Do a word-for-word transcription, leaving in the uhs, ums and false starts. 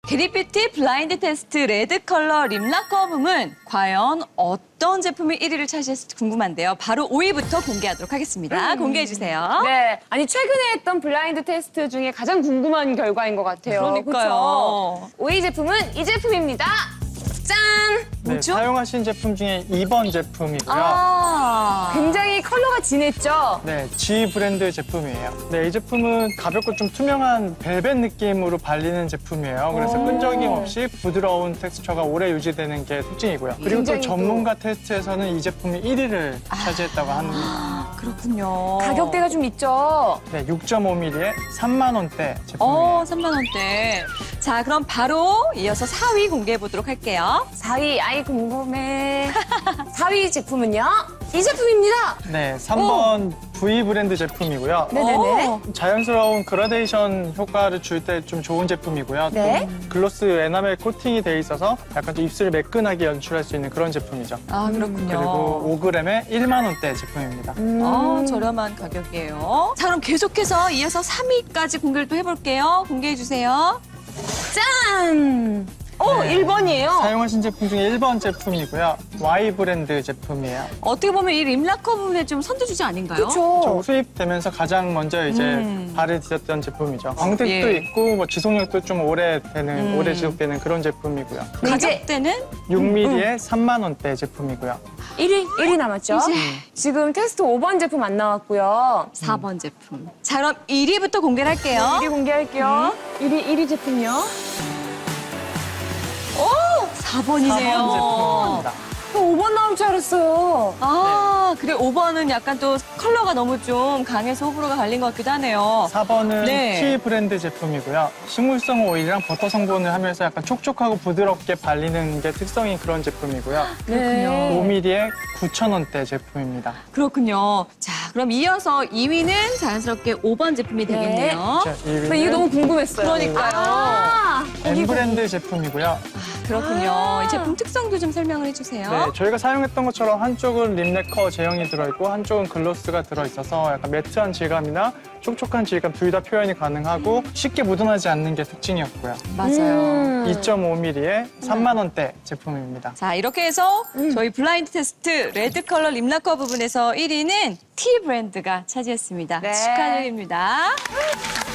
데리뷰티 블라인드 테스트 레드 컬러 립라커 부문 과연 어떤 제품이 일 위를 차지했을지 궁금한데요. 바로 오 위부터 공개하도록 하겠습니다. 음. 공개해 주세요. 네, 아니 최근에 했던 블라인드 테스트 중에 가장 궁금한 결과인 것 같아요. 그러니까요. 그쵸? 오 위 제품은 이 제품입니다. 짠! 네, 뭐죠? 사용하신 제품 중에 이 번 제품이고요. 아, 굉장히 컬러가 진했죠? 네, G 브랜드 제품이에요. 네, 이 제품은 가볍고 좀 투명한 벨벳 느낌으로 발리는 제품이에요. 그래서 오. 끈적임 없이 부드러운 텍스처가 오래 유지되는 게 특징이고요. 그리고 또 굉장히 또- 전문가 테스트에서는 이 제품이 일 위를 차지했다고 합니다. 그렇군요. 가격대가 좀 있죠? 네, 육 점 오 밀리리터의 삼만 원대 제품이에요. 어, 삼만 원대. 자, 그럼 바로 이어서 사 위 공개해 보도록 할게요. 사 위, 아이 궁금해. 사 위 제품은요? 이 제품입니다. 네, 삼 번 V 브랜드 제품이고요. 네네네. 어, 자연스러운 그라데이션 효과를 줄 때 좀 좋은 제품이고요. 네. 또 글로스 에나멜 코팅이 돼 있어서 약간 좀 입술을 매끈하게 연출할 수 있는 그런 제품이죠. 아, 그렇군요. 그리고 오 그램에 일만 원대 제품입니다. 음. 어, 저렴한 가격이에요. 자, 그럼 계속해서 이어서 삼 위까지 공개를 또 해볼게요. 공개해 주세요. 짠! 어, 네. 일 번이에요. 사용하신 제품 중에 일 번 제품이고요. Y 브랜드 제품이에요. 어떻게 보면 이 립라커 부분에 좀 선두주자 아닌가요? 그렇죠. 저 수입되면서 가장 먼저 이제 음. 발을 디뎠던 제품이죠. 광택도 예. 있고 뭐 지속력도 좀 오래 되는, 음. 오래 지속되는 그런 제품이고요. 가격대는 육 밀리리터의 삼만 원대 제품이고요. 일 위, 일 위 남았죠? 이제. 지금 테스트 오 번 제품 안 나왔고요. 사 번 제품. 자, 그럼 일 위부터 공개를 할게요. 일 위 공개할게요. 일 위, 일 위 제품요. 사 번이네요. 사 번 제품입니다. 오 번 나올 줄 알았어요. 아, 그래 오 번은 약간 또 컬러가 너무 좀 강해서 호불호가 갈린 것 같기도 하네요. 사 번은 네. T 브랜드 제품이고요. 식물성 오일이랑 버터 성분을 하면서 약간 촉촉하고 부드럽게 발리는 게 특성인 그런 제품이고요. 네. 오 밀리리터의 구천 원대 제품입니다. 그렇군요. 자, 그럼 이어서 이 위는 자연스럽게 오 번 제품이 네. 되겠네요. 자, 일 위는 나 이거 너무 궁금했어요. 그러니까요. 아, M 브랜드 제품이고요. 그렇군요. 아. 이 제품 특성도 좀 설명을 해주세요. 네, 저희가 사용했던 것처럼 한쪽은 립레커 제형이 들어있고 한쪽은 글로스가 들어있어서 약간 매트한 질감이나 촉촉한 질감 둘 다 표현이 가능하고 쉽게 묻어나지 않는 게 특징이었고요. 맞아요. 음. 이 점 오 밀리리터의 삼만 원대 제품입니다. 자, 이렇게 해서 저희 블라인드 테스트 레드 컬러 립라커 부분에서 일 위는 T 브랜드가 차지했습니다. 네. 축하드립니다.